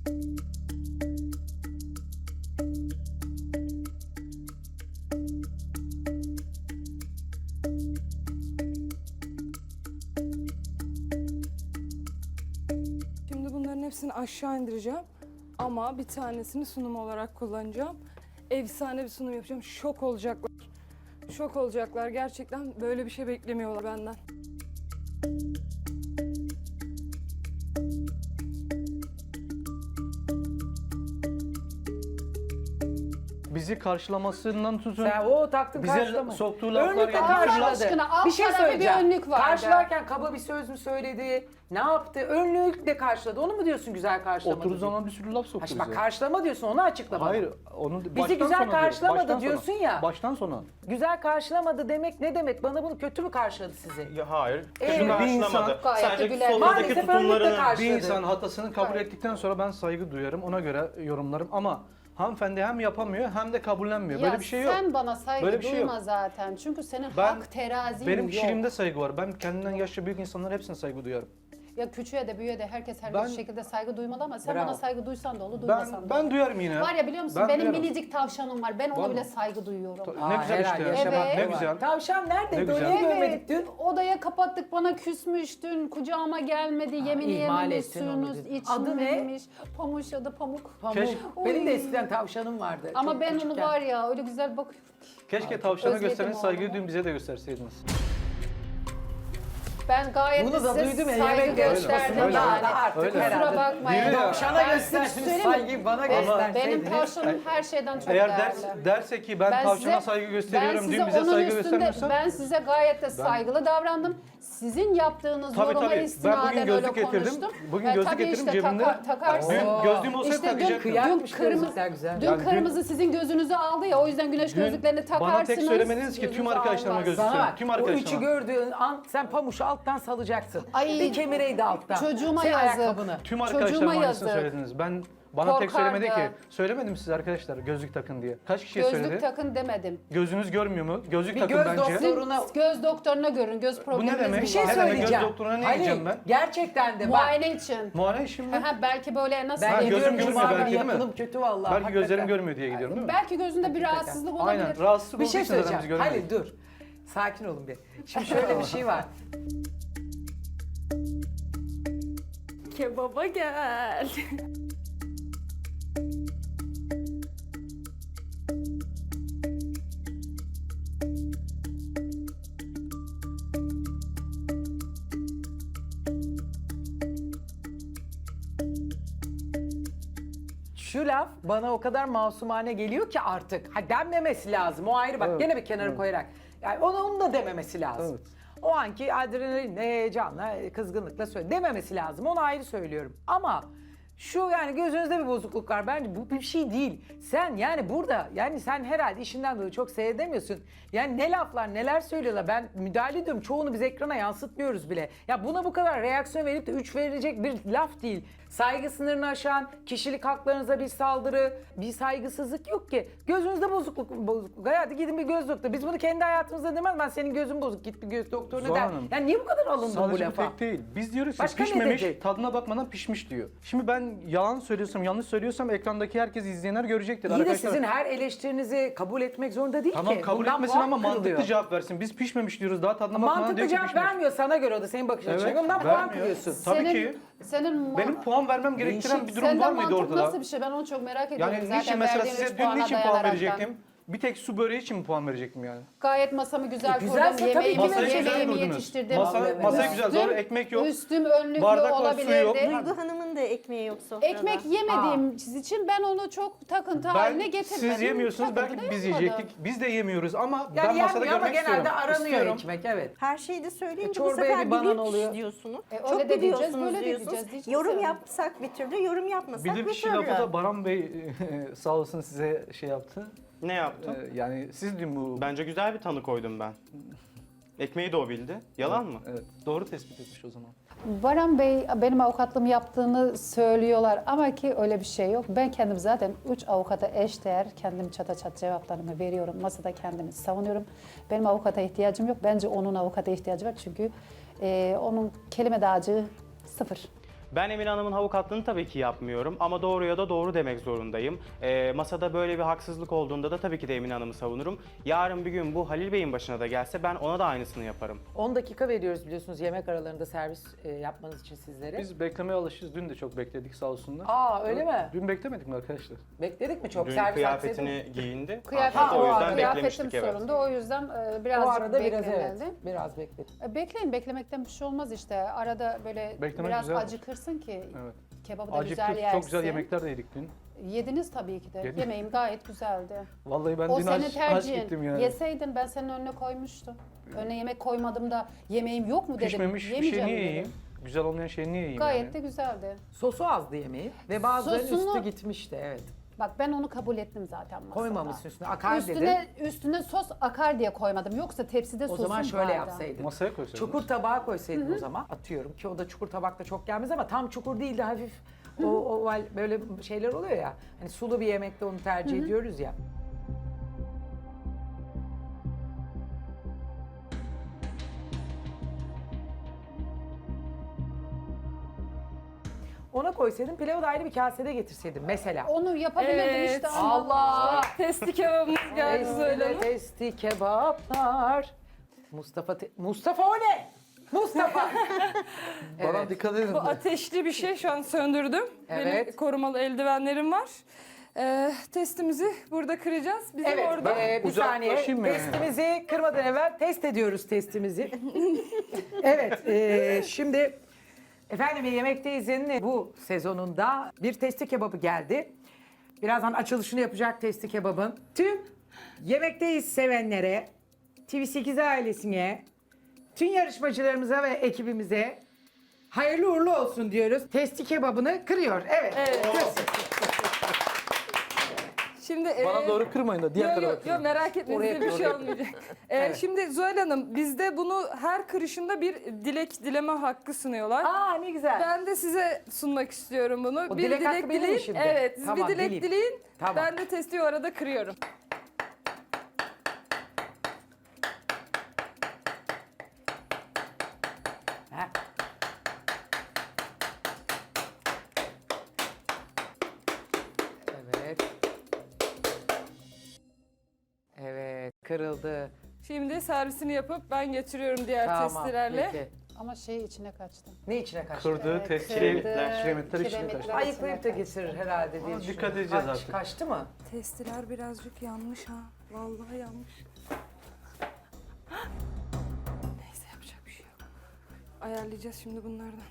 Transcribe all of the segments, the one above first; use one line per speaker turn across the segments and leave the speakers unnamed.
Şimdi bunların hepsini aşağı indireceğim. Ama bir tanesini sunum olarak kullanacağım. Efsane bir sunum yapacağım. Şok olacaklar. Şok olacaklar. Gerçekten böyle bir şey beklemiyorlar benden.
Bizi karşılamasından tutun.
Sen o taktın
Bize
karşılama.
soktuğu laflar
Önlükle
yani.
karşıladı.
Allah aşkına, alt
Bir şey
tarafı
söyleyeceğim.
bir önlük vardı.
Karşılarken kaba bir söz mü söyledi? Ne yaptı? Önlükle karşıladı. Onu mu diyorsun güzel karşılamadı?
Oturduğu
diye?
zaman bir sürü laf soktu
Ha,
bize.
bak karşılama diyorsun, onu açıkla bana.
Hayır, onu
Bizi güzel karşılamadı diyorsun ya.
Baştan sona.
Güzel karşılamadı demek ne demek? Bana bunu kötü mü karşıladı sizi?
Ya hayır.
Şimdi
Kötü
bir
karşılamadı.
insan- Gayet de
Sadece
güler.
sofradaki
Maalesef önlükle
tutumlarını...
karşıladı.
Bir insan hatasını kabul ettikten sonra ben saygı duyarım. Ona göre yorumlarım ama hanımefendi hem yapamıyor hem de kabullenmiyor. Böyle
Ya
bir şey yok.
sen bana saygı
Böyle bir şey
duyma
yok.
zaten. Çünkü senin
Ben-
hak terazin
Benim
yok.
kişiliğimde saygı var. Ben kendimden yaşça büyük insanlara hepsine saygı duyarım.
Ya küçüğe de büyüğe de herkes her
Ben-
şekilde saygı duymalı ama sen
Bravo.
bana saygı duysan da olur, duymasan da
Ben
olur.
duyarım yine.
Var ya biliyor musun
Ben
benim
duyarım.
minicik tavşanım var. Ben ona
Vallahi.
bile saygı duyuyorum.
Ne güzel
herhalde
işte.
yaşamak
Evet.
da
Ne
var.
güzel.
Tavşan neredeydi?
Ne güzel.
Öyle
Evet,
görmedik dün.
odaya kapattık, bana küsmüş dün, kucağıma gelmedi, yemeğini
ihmal ettin onu
yememişsiniz,
dün. Adı ne?
içmemiş. Pamuş adı Pamuk.
Pamuk.
Keşke-
Benim de
Oy.
eskiden tavşanım vardı.
Ama
çok
ben onu
küçükken.
var ya öyle güzel bakıyorum.
Keşke tavşana
Özledim
gösterdiğiniz saygıyı
oğlumu.
dün bize de gösterseydiniz.
Ben gayet
Bunu da
size
duydum ya,
saygı
yemek
gösterdim
yarışmasında
yani.
da artık
Öyle.
herhalde.
Kusura bakmayın.
Biri de-
Tavşana
Ben
göstersiniz
size söyleyeyim mi?
saygıyı bana gösterseydiniz.
Benim tavşanım her şeyden çok
Eğer
değerli.
derse ki ben tavşana saygı gösteriyorum, dün bize
onun
saygı
üstünde-
göstermiyorsan
Ben size gayet de saygılı davrandım. Sizin yaptığınız
Tabii,
yoruma
tabii. Ben
istinaden
bugün
öyle
gözlük getirdim.
konuştum.
Bugün gözlük
tabii
getirdim
işte
cebimde.
takarsın.
Dün gözlüğüm olsaydı
İşte dün,
takacaktım.
Kıyakmış
dün kırmızı,
gözlükler güzel.
dün
Yani dün-
kırmızı sizin gözünüzü aldı ya o yüzden güneş gözlüklerini takarsınız.
bana tek söylemediniz ki tüm
gözünüzü
arkadaşlarıma
almaz.
gözlük
Sana
söyleyeyim.
bak,
Tüm
o üçü
arkadaşlarıma.
gördüğün an sen pamuşu alttan salacaksın.
Ay,
bir kemireydi alttan.
çocuğuma
Sen
yazık.
ayakkabını.
Tüm
Çocuğuma
arkadaşlarıma aynısını
yazık.
söylediniz. Bana tek söylemedi ki.
Korkardı.
Söylemedim size arkadaşlar gözlük takın diye. Kaç kişiye
Gözlük
söyledi?
takın demedim.
Gözünüz görmüyor mu? Gözlük
Bir
takın
göz
bence.
doktoru- Soruna-
Göz doktoruna görün, göz probleminiz
demek?
mi
Bir şey
var?
Ne demek?
söyleyeceğim.
Göz doktoruna ne
Ali,
gideceğim ben?
Gerçekten de bak.
Muayene için.
Muayene işim mi?
Aha, belki böyle nasıl?
Ben
Ha, gözüm
gidiyorum
görmüyor
cuma
belki
günü
değil mi?
yapılım kötü vallahi.
Belki
hakikaten.
gözlerim görmüyor diye gidiyorum değil mi?
Belki gözünde bir rahatsızlık olabilir.
Aynen. Rahatsızlık
Bir
olduğu
şey
için zaten biz
söyleyeceğim.
göremedik.
Halil dur. Sakin olun bir. Şimdi şöyle bir şey var.
Kebaba gel.
Şu laf bana o kadar masumane geliyor ki artık. Ha denmemesi lazım. O ayrı bak
Evet,
gene bir kenara koyarak. Yani onu da dememesi lazım.
Evet.
O anki adrenalinle, heyecanla, kızgınlıkla söyle dememesi lazım. Onu ayrı söylüyorum. Ama şu yani gözünüzde bir bozukluk var. Bence bu bir şey değil. Sen yani burada yani sen herhalde işinden dolayı çok seyredemiyorsun. Yani ne laflar neler söylüyorlar. Ben müdahale ediyorum. Çoğunu biz ekrana yansıtmıyoruz bile. Ya buna bu kadar reaksiyon verip de 3 verilecek bir laf değil. Saygı sınırını aşan, kişilik haklarınıza bir saldırı, bir saygısızlık yok ki. Gözünüzde bozukluk. Hadi gidin bir göz doktoru. Biz bunu kendi hayatımızda demez. Ben senin gözün bozuk git bir göz doktoruna
Zuhal
der.
Hanım,
Yani niye bu kadar alındın bu
Sadece bu
lafa?
tek değil. Biz diyoruz ki
Başka ne
pişmemiş,
dedi?
tadına bakmadan pişmiş diyor. Şimdi ben yalan söylüyorsam, yanlış söylüyorsam ekrandaki herkes izleyenler görecektir.
İyi de
Arkadaşlar,
sizin her eleştirinizi kabul etmek zorunda değil
tamam
ki.
kabul
Bundan
etmesin
puan
ama mantıklı
kırılıyor.
cevap versin. Biz pişmemiş diyoruz, daha tadına bakmadan
Mantıklı
diyor ki
cevap
pişmemiş.
vermiyor sana göre o da senin bakış açına.
Evet,
Ondan puan
vermiyor.
kırıyorsun.
Tabii ki.
Senin
Benim puan vermem gerektiren bir durum
senden
var mıydı
mantık
ortada?
nasıl bir şey? Ben onu çok merak ediyorum.
Yani
Zaten
niçin mesela
verdiğin üç
size dün
puana
niçin puan
dayanaraktan.
verecektim? Bir tek su böreği için mi puan verecektim yani?
Gayet masamı güzel
güzelse
kurdum.
tabii ki
Yemeğimi,
vereceksin.
yemeğimi
kurdunuz.
yetiştirdim.
Masayı güzel,
Üstüm-
doğru, ekmek yok.
Üstüm önlüklü
Bardak var, su yok.
olabilirdi.
Duygu Hanım'ın da ekmeği yok sofrada.
Ekmek yemediğim için ben onu çok takıntı haline getirmedim.
Siz yemiyorsunuz,
Takıntı
belki
da
biz
yapmadım.
yiyecektik. Biz de yemiyoruz ama
Yani
ben masada
yenmiyor ama
görmek
genelde
istiyorum.
aranıyor
İstiyorum.
ekmek evet.
Her şeyi de söyleyince bu
çorbaya
sefer
bir banan
biliyor
oluyor.
diyorsunuz.
öyle
Çok
de diyeceğiz,
biliyorsunuz
böyle de
diyorsunuz.
diyeceğiz. Hiçbir
Yorum
şey yok.
yapsak bir türlü, yorum yapmasak
Bir de
bir
bir şey
türlü.
lafı da Baran Bey sağ olsun size şey yaptı.
Ne yaptım?
Yani siz dün bu...
Bence güzel bir tanı koydum ben. Ekmeği de o bildi. Yalan mı?
Evet, doğru tespit etmiş o zaman.
Baran Bey benim avukatlığımı yaptığını söylüyorlar ama ki öyle bir şey yok. Ben kendim zaten 3 avukata eşdeğer kendim çata çat cevaplarımı veriyorum. Masada kendimi savunuyorum. Benim avukata ihtiyacım yok. Bence onun avukata ihtiyacı var çünkü onun kelime dağarcığı sıfır.
Ben Emine Hanım'ın avukatlığını tabii ki yapmıyorum ama doğruya da doğru demek zorundayım. Masada böyle bir haksızlık olduğunda da tabii ki de Emine Hanım'ı savunurum. Yarın bir gün bu Halil Bey'in başına da gelse ben ona da aynısını yaparım.
10 dakika veriyoruz biliyorsunuz yemek aralarında servis yapmanız için sizlere.
Biz beklemeye alışırız. Dün de çok bekledik sağ olsunlar.
Aa öyle mi?
Dün beklemedik mi arkadaşlar?
Bekledik mi çok?
Dün
servis
kıyafetini giyindi.
Kıyafet,
Hatta o yüzden
kıyafetim
beklemiştik evet.
sorundu. O yüzden
O
birazcık
arada biraz
beklemeli.
evet. Biraz bekledik.
Bekleyin, beklemekten bir şey olmaz işte. Arada böyle
Beklemek
biraz
güzeldir.
acıkırsın ki
Evet.
kebabı da
Acıktık.
güzel yersin.
Çok güzel yemekler de yedik dün.
Yediniz tabii ki de.
Yedim.
Yemeğim gayet güzeldi.
Vallahi ben
O
dün
senin
aç
tercihin.
gittim yani.
Yeseydin ben senin önüne koymuştum. Önüne yemek koymadım da yemeğim yok mu dedim.
Pişmemiş bir şey
Yemeyeceğim
niye
dedim.
yiyeyim? Güzel olmayan şeyi niye yiyeyim
Gayet
yani?
de güzeldi.
Sosu azdı yemeği ve bazılarının
Sosunu-
üstü gitmişti evet.
Bak ben onu kabul ettim zaten masada.
Koymamışsın üstüne akar dedin.
Üstüne sos akar diye koymadım. Yoksa tepside
O
sosum
zaman şöyle
vardı.
yapsaydın.
Masaya koysaydınız.
Çukur tabağa koysaydın o zaman atıyorum ki o da çukur tabakta çok gelmez ama tam çukur değil de hafif o oval böyle şeyler oluyor ya. Hani sulu bir yemekte onu tercih ediyoruz ya. Ona koysaydın pilavı da ayrı bir kasede getirseydin mesela.
Onu yapabilirdim
Evet.
işte ama.
Allah!
Testi kebabımız geldi Zuhal Hanım.
Testi kebaplar. Mustafa o ne? Mustafa.
Bana
Evet.
dikkat edin.
Bu ateşli bir şey, şu an söndürdüm.
Evet.
Benim korumalı eldivenlerim var. Testimizi burada kıracağız. Bizim
Evet,
orada
bir saniye.
Uzaklaşayım mı?
Testimizi kırmadan evvel test ediyoruz testimizi. Evet, şimdi efendim Yemekteyiz'in bu sezonunda bir testi kebabı geldi. Birazdan açılışını yapacak testi kebabın. Tüm Yemekteyiz sevenlere, TV8 ailesine, tüm yarışmacılarımıza ve ekibimize hayırlı uğurlu olsun diyoruz. Testi kebabını kırıyor. Evet. Kırsın.
şimdi
Bana doğru kırmayın da diğer tarafa
Yok
kırın.
merak etmeyin,
Oraya
size bir
kır,
şey
oraya kır.
olmayacak.
Evet.
Şimdi Zuhal Hanım, bizde bunu her kırışında bir dilek dileme hakkı sunuyorlar.
Aa ne güzel.
Ben de size sunmak istiyorum bunu.
O
bir
dilek hakkı
dilek
benim mi
dileyin.
şimdi?
Evet, siz
Tamam,
bir dilek
dileyim.
dileyin.
Tamam.
Ben de testi o arada kırıyorum.
Ha. Evet. Evet, kırıldı.
Şimdi servisini yapıp ben getiriyorum diğer
Tamam,
testilerle.
peki.
Ama şey içine kaçtı.
Ne içine kaçtı?
Kırdığı test
kırdı,
kiremitler içine
kiremitler.
kaçtı.
Ayıklayıp da getirir herhalde diye
Ama
düşünüyorum.
dikkat edeceğiz
Kaç-
artık.
Kaçtı mı?
Testiler birazcık yanmış ha. Vallahi yanmış. Neyse, yapacak bir şey yok. Ayarlayacağız şimdi bunlardan.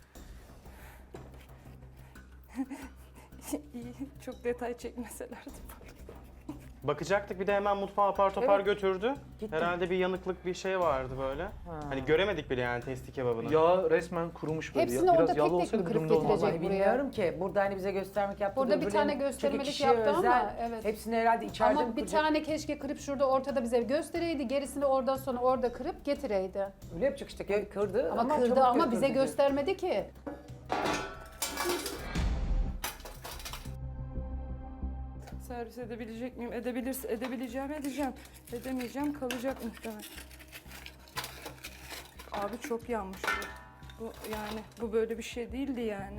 İyi, çok detay çekmeselerdi.
Bakacaktık bir de hemen mutfağa apar topar
Evet.
götürdü.
Gitti.
Herhalde bir yanıklık bir şey vardı böyle. Hani göremedik bile yani testi kebabını.
Yağ resmen kurumuş böyle.
Hepsini
Biraz
orada tek
yağlı
tek mi
olsaydı
kırıp
durumda olmazdı.
getirecek?
Vallahi
buraya.
bilmiyorum ki. Burada hani bize göstermek yaptı.
Burada bir
öbürlerinin-
tane
çünkü
göstermelik
kişiye
yaptı ama,
özel.
evet.
Hepsini herhalde içeride mi
Ama bir
kıracak?
tane keşke kırıp şurada ortada bize göstereydi. Gerisini oradan sonra orada kırıp getireydi.
Öyle yapacak işte kırdı
Ama kırdı
çabuk
ama bize
götürdü.
göstermedi ki.
Servis edebilecek miyim? Edebileceğim, edeceğim. Edemeyeceğim, kalacak muhtemelen. Abi çok yanmış bu. Bu böyle bir şey değildi yani.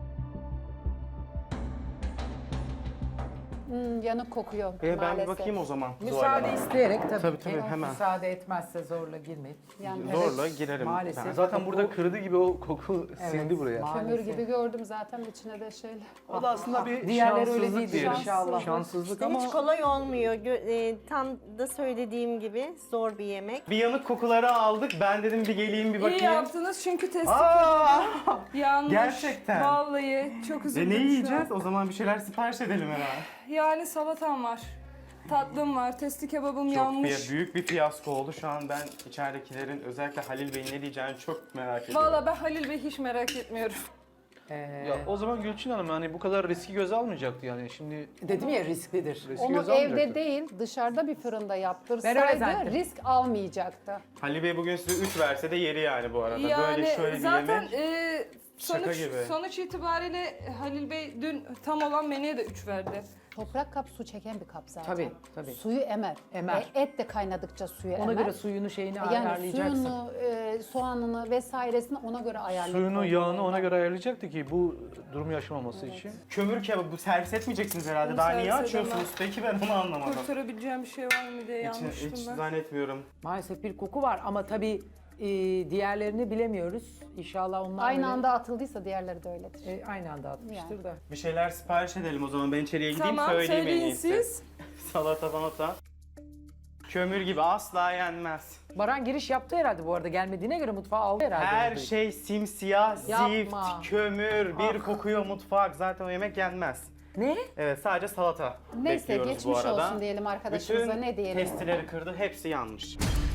Yanık kokuyor
Ben
maalesef.
bir bakayım o zaman. Zuhal
Müsaade
Hanım.
isteyerek tabii,
Tabii,
ki.
tabii, hemen.
Müsaade etmezse zorla girmeyin.
Yani
Zorla girerim.
Maalesef.
Ben.
Zaten burada kırdı gibi o koku sindi buraya.
maalesef.
kömür gibi gördüm zaten içine de şeyler.
O da aslında bir
Diğerleri öyle
şanssızlık
değildi
diyelim.
inşallah.
Şanssızlık
İşte
ama
hiç kolay olmuyor. Tam da söylediğim gibi zor bir yemek.
Bir yanık kokuları aldık. Ben dedim bir geleyim bir
İyi
bakayım.
yaptınız çünkü testi
Aa!
yanmış.
Gerçekten.
Vallahi çok üzüldüm
Ne
şu an.
yiyeceğiz? O zaman bir şeyler sipariş edelim herhalde.
Yani salatam var. Tatlım var. Testi kebabım yanmış.
Büyük bir fiyasko oldu. Şu an ben içeridekilerin özellikle Halil Bey'in ne diyeceğini çok merak ediyorum.
Vallahi ben Halil Bey hiç merak etmiyorum.
ya o zaman Gülçin Hanım hani bu kadar riski göze almayacaktı yani. Şimdi
Dedim ya risklidir.
riski
Onu
göze
evde
almayacaktı.
değil dışarıda bir fırında
Ben öyle
yaptırsaydı
zannettim.
risk almayacaktı.
Halil Bey bugün size 3 verse de yeri yani bu arada. Böyle şöyle bir
zaten
yemek. Şaka gibi.
Sonuç itibariyle Halil Bey dün tam olan menüye de 3 verdi.
Toprak kap su çeken bir kap zaten.
Tabii, tabii.
Suyu emer.
Emer.
Et de kaynadıkça suyu
Ona
emer.
göre suyunu şeyini
Yani
ayarlayacaksın.
suyunu, soğanını vesairesini ona göre ayarlayıp
Suyunu,
koymak
yağını
lazım.
ona göre ayarlayacaktı ki bu durum yaşamaması için.
Kömür kebabı servis etmeyeceksiniz herhalde.
Bunu
Daha niye
servis
açıyorsunuz?
edemem.
Peki ben onu anlamadım.
Kurtarabileceğim bir şey var mı diye
Hiç
yanmıştım ben.
zannetmiyorum.
Maalesef bir koku var ama tabii diğerlerini bilemiyoruz. İnşallah onlar
Aynı
öyle-
anda atıldıysa diğerleri de öyledir.
Aynı anda atmıştır
Yani.
da.
Bir şeyler sipariş edelim o zaman. Ben içeriye gideyim
Tamam,
söyleyeyim en
söyleyin
iyisi.
siz.
Salata malata. Kömür gibi asla yenmez.
Baran giriş yaptı herhalde bu arada. Gelmediğine göre mutfağı aldı herhalde.
Her
orada.
şey simsiyah,
Yapma.
zift, kömür, bir
Ah.
kokuyor mutfak. Zaten o yemek yenmez.
Ne?
Evet, sadece salata
Neyse
bekliyoruz bu
geçmiş
arada.
olsun diyelim arkadaşımıza,
Bütün
ne diyelim.
testileri kırdı, hepsi yanmış.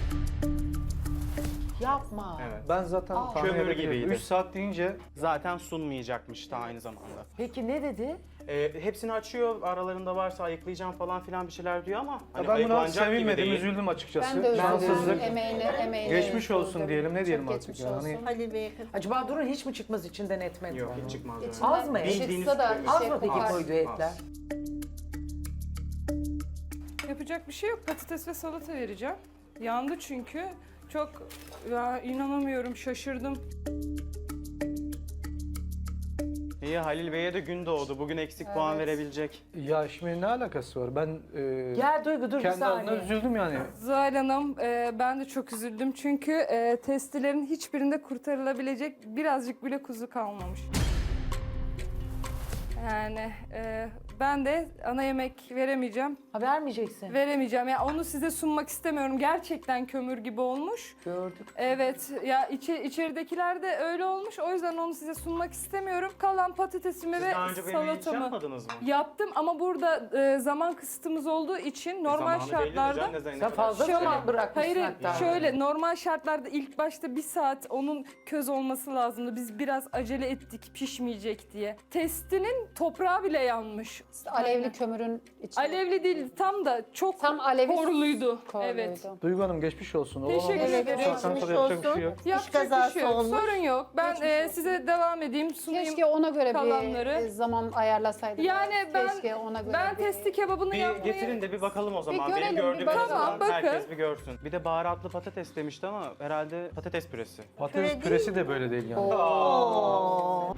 Yapma.
Evet.
Ben zaten tahmin
Kömür
edebiliyorum.
gibiydi.
3 saat deyince
Zaten sunmayacakmış da aynı zamanda.
Peki ne dedi?
Hepsini açıyor, aralarında varsa ayıklayacağım falan filan bir şeyler diyor ama hani
ben buna
ayıklanacak gibi
sevinmedim,
değil.
üzüldüm açıkçası.
Ben de
Şanssızlık.
üzüldüm. Emeğine
Geçmiş olsun
üzüldüm.
diyelim, ne
Çok
diyelim artık
geçmiş
yani.
olsun.
Halil Bey'e katılıyorum.
Acaba Durun hiç mi çıkmaz içinden etmedi?
Yok, hiç çıkmaz. yani.
İçinden
Az mı?
Bildiğiniz
çıksa da
kömür.
bir
Az
şey
mı peki
kokar.
koyduğu etler?
Yapacak bir şey yok. Patates ve salata vereceğim. Yandı çünkü. Çok ya inanamıyorum, şaşırdım.
İyi, Halil Bey'e de gün doğdu. Bugün eksik puan verebilecek.
Ya şimdi ne alakası var? Ben
Gel Duygu dur bir
kendi adına
saniye.
üzüldüm yani.
Zuhal Hanım, ben de çok üzüldüm çünkü testilerin hiçbirinde kurtarılabilecek birazcık bile kuzu kalmamış. Yani ben de ana yemek veremeyeceğim.
Ha vermeyeceksin.
Veremeyeceğim. Ya onu size sunmak istemiyorum. Gerçekten kömür gibi olmuş.
Gördük.
Evet, ya içeridekiler de öyle olmuş. O yüzden onu size sunmak istemiyorum. Kalan patatesimi
Siz
ve
daha önce böyle hiç
salatamı
yapmadınız mı?
yaptım ama burada zaman kısıtımız olduğu için normal
Zamanı bellidir
şartlarda
canım, ne zaman ne
Sen
kadar
fazla
şey.
mı bırakmışsın
hayır
hatta?
şöyle normal şartlarda ilk başta bir saat onun köz olması lazımdı. Biz biraz acele ettik pişmeyecek diye. Testinin toprağı bile yanmış.
Alevli kömürün içine.
Alevli değil tam da çok
Tam alevi
korluydu.
korluydu.
Evet.
Duygu Hanım geçmiş olsun. O
Teşekkür
olmamış.
ederim.
Bu saatten
Geçmiş
sonra yapacak bir
olsun.
şey yok.
Yapacak bir
kazası
şey yok.
olmuş.
Sorun yok. Ben
Geçmiş olsun.
size devam edeyim sunayım.
Keşke ona göre
kalanları.
bir zaman ayarlasaydık.
Yani ben
Keşke ona göre
ben
bir-
testi kebabını
Bir
yapmayı
getirin de bir bakalım o zaman.
görelim,
Benim
bir
gördüğüm en
bakalım.
azından
Tamam,
herkes
bakın.
bir görsün. Bir de baharatlı patates demişti ama herhalde patates püresi.
Patates
Püre
püresi de böyle değil yani.
Oo.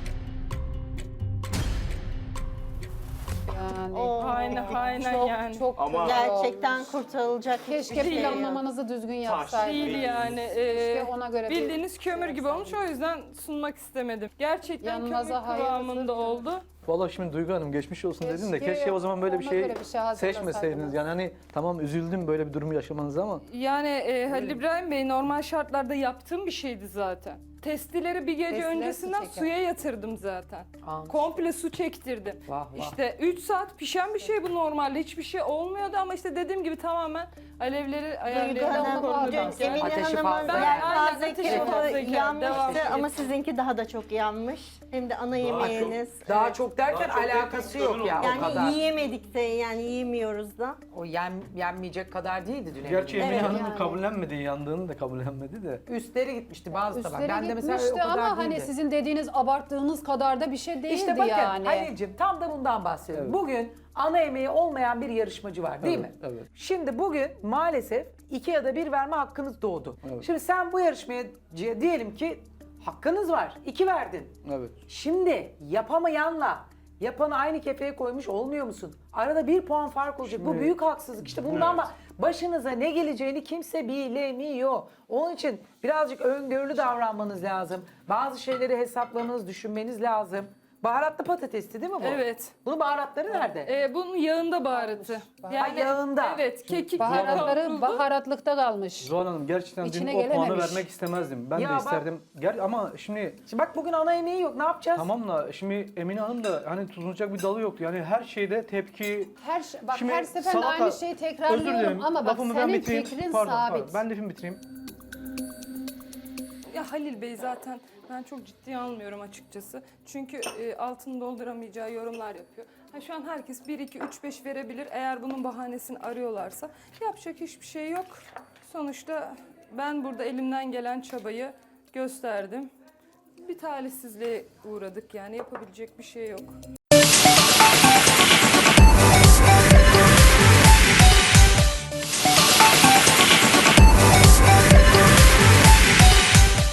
Yani
Oo.
aynen
çok
yani.
çok
Ama-
kötü
Gerçekten
olmuş.
kurtarılacak
Keşke
hiçbir şey yok.
planlamanızı düzgün yapsaydınız.
Değil yani.
Keşke ona göre bir
Bildiğiniz kömür gibi olmuş o yüzden sunmak istemedim. Gerçekten
Yanınıza
kömür
hayırlısı
kıvamında
dilerim.
oldu.
Vallahi şimdi Duygu Hanım geçmiş olsun dedin de
Keşke
keşke o zaman böyle bir
ona
şey
göre bir şey hazırlasaydınız.
seçmeseydiniz. Yani hani tamam üzüldüm böyle bir durumu yaşamanıza ama
Yani Halil İbrahim Bey normal şartlarda yaptığım bir şeydi zaten. Testileri bir gece
Testiler
öncesinden
su çeker.
suya yatırdım zaten.
Anladım.
Komple su çektirdim.
Vah, vah.
İşte 3 saat pişen bir şey bu normalde. Hiçbir şey olmuyordu ama işte dediğim gibi tamamen alevleri
Duygu
ayarlayarak
Hanım,
korudum.
Dün
Ateşi
Emine
fazla.
Hanım'ın
Ben- aynen,
yelpaze
ateşi fazlayken
kebabı
devam
yanmıştı
edin.
ama sizinki daha da çok yanmış. Hem de ana yemeğiniz.
Daha
Evet.
çok derken
Daha çok
alakası
derken
yok ya o kadar.
Yani yiyemedik de yani yiyemiyoruz da.
O yenmeyecek kadar değildi dün.
gerçi
eminim.
Emine
Evet,
Hanım'ın
yani.
kabullenmedi, yandığını da kabullenmedi de.
Üstleri gitmişti bazı tabak.
Üstleri
Ben de mesela o
gitmişti
kadar
ama hani
değildi.
sizin dediğiniz abarttığınız kadar da bir şey değildi
İşte bakın
yani.
Halil'cim tam da bundan bahsediyorum.
Evet.
Bugün ana yemeği olmayan bir yarışmacı var değil
Evet,
mi?
evet.
Şimdi bugün maalesef 2 ya da 1 verme hakkınız doğdu.
Evet.
Şimdi sen bu yarışmaya diyelim ki hakkınız var. 2 verdin.
Evet.
Şimdi yapamayanla yapanı aynı kefeye koymuş olmuyor musun? Arada 1 puan fark olacak. Bu
Şimdi-
büyük haksızlık. İşte bundan başınıza ne geleceğini kimse bilemiyor. Onun için birazcık öngörülü davranmanız lazım. Bazı şeyleri hesaplamanız, düşünmeniz lazım. Baharatlı patatesti değil mi bu?
Evet.
Bunun baharatları nerede?
Bunun yağında baharatı.
yağında.
Evet, kekik
Baharatları
kavruldu.
baharatlıkta kalmış.
Zuhal Hanım gerçekten
İçine
dün o puanı
gelememiş.
vermek istemezdim. Ben
Ya
de
bak-
isterdim. Ama şimdi
Şimdi bak bugün ana yemeği yok. Ne yapacağız?
tamam da şimdi Emine Hanım da hani tutunacak bir dalı yoktu. Yani her şeyde tepki.
Bak
Şimdi
her seferinde
salata-
aynı şeyi
Özür
tekrarlıyorum
dilerim.
ama bak
Lafımı ben
senin
bitireyim.
fikrin
Pardon,
sabit.
pardon. Ben lafımı bitireyim.
Ya Halil Bey zaten ben çok ciddiye almıyorum açıkçası. Çünkü altını dolduramayacağı yorumlar yapıyor. Ha, şu an herkes 1, 2, 3, 5 verebilir. Eğer bunun bahanesini arıyorlarsa yapacak hiçbir şey yok. Sonuçta ben burada elimden gelen çabayı gösterdim. bir talihsizliğe uğradık yani yapabilecek bir şey yok.